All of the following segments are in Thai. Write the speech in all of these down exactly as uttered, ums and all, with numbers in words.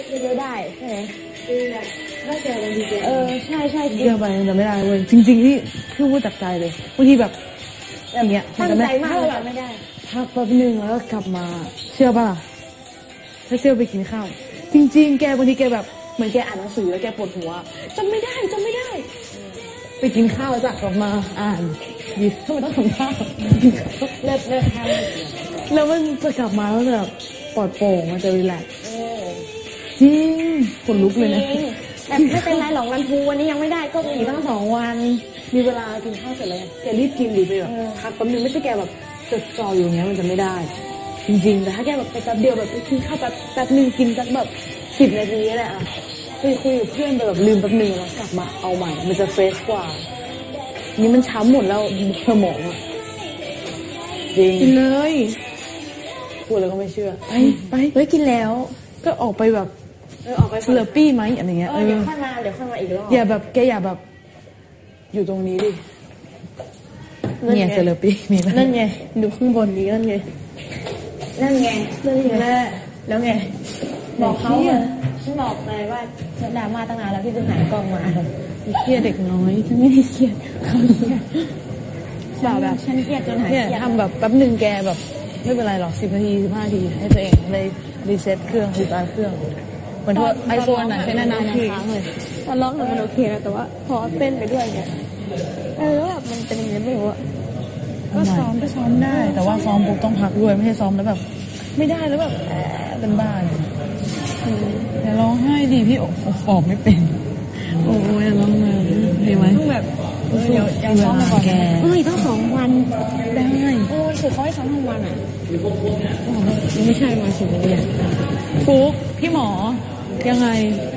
เยอะได้ใช่ไหมถ้าเจอบางทีเออใช่ใช่เจอไปจะไม่ได้เว้ยจริงๆที่คือพูดจากใจเลยบางทีแบบแบบเนี้ยตั้งใจมากเลยไม่ได้พักแป๊บนึงแล้วก็กลับมาเชื่อป่ะถ้าเชื่อไปกินข้าวจริงๆแกบางทีแกแบบเหมือนแกอ่านหนังสือแล้วแกปวดหัวจำไม่ได้จำไม่ได้ไปกินข้าวแล้วจากกลับมาอ่านหยิบทำไมต้องทำข้าวเลิศเลิศทำแล้วมันจะกลับมาแล้วแบบปลอดโปร่งมันจะรีแลกซ์จริงขนลุกเลยนะแต่ไม่เป็นไรหรอกวันทูวันนี้ยังไม่ได้ก็มีตั้งสองวันมีเวลากินข้าวเสร็จแล้วแกรีบกินดีไปแบบพักแป๊บนึงไม่ใช่แกแบบจดจ่ออยู่อย่างเงี้ยมันจะไม่ได้จริงๆแต่ถ้าแกแบบไปแป๊บเดียวแบบไปกินข้าวแป๊บแป๊บนึงกินสักแบบสิบนาทีแหละอ่ะคุยคุยกับเพื่อนไปแบบลืมแป๊บนึงแล้วกลับมาเอาใหม่มันจะเฟรชกว่านี่มันช้ำหมดแล้วสมองอ่ะจริงกินเลยพูดแล้วก็ไม่เชื่อไปไปเฮ้ยกินแล้วก็ออกไปแบบเออออกไปสเลอปี้ไหมอะไรเงี้ยเออเดี๋ยวค่อยมาเดี๋ยวค่อยมาอีกรอบอย่าแบบแกอย่าแบบอยู่ตรงนี้ดิเนี่ยสเลอปี้มีนั่นไงดูข้างบนนี้นั่นไงนั่นไงนั่นไงแล้วไงบอกเขาฉันบอกเลยว่าฉันดราม่าตั้งนานแล้วพี่จะหายกล้องมาเครียดเด็กน้อยฉันไม่ได้เครียดเขาเครียดแบบแบบฉันเครียดจนหายเครียดทำแบบแป๊บหนึ่งแกแบบไม่เป็นไรหรอกสิบนาทีสิบห้านาทีให้ตัวเองเลยรีเซ็ตเครื่องรีสตาร์ทเครื่องเหมือนทั่วไอโฟนไหนใช้นานๆทีตอนร้องมันโอเคนะแต่ว่าพอเต้นไปด้วยเนี่ยเออแล้วแบบมันเป็นยังไงไม่รู้อะก็ซ้อมก็ซ้อมได้แต่ว่าซ้อมปุ๊บต้องพักด้วยไม่ใช่ซ้อมแล้วแบบไม่ได้แล้วแบบเป็นบ้าเลยอย่าร้องไห้ดิพี่ออกไม่เป็นโอ้ยร้องเลยดีไหมต้องแบบเดี๋ยวเดี๋ยวซ้อมมาก่อนเอ้ยต้องสองวันได้โอ้ยคือเขาให้ซ้อมทั้งวันอ่ะไม่ใช่มาสิบเดือนฟุ๊กพี่หมอยังไง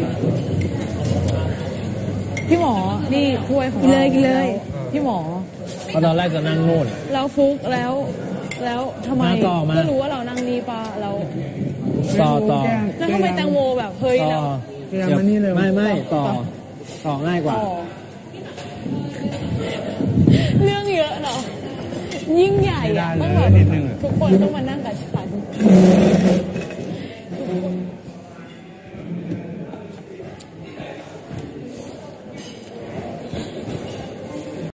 พี่หมอนี่ถ้วยของเราเลยกินเลยพี่หมอก็ตอนแรกจะนั่งโน่นเราฟุกแล้วแล้วทำไมก็รู้ว่าเรานั่งนี่ปะเราต่อต่อแล้วทำไมแตงโมแบบเฮ้ยแล้วไม่ไม่ต่อต่อง่ายกว่าเรื่องเยอะเนาะยิ่งใหญ่อะต้องแบบทุกคนต้องมานั่งกับฉัน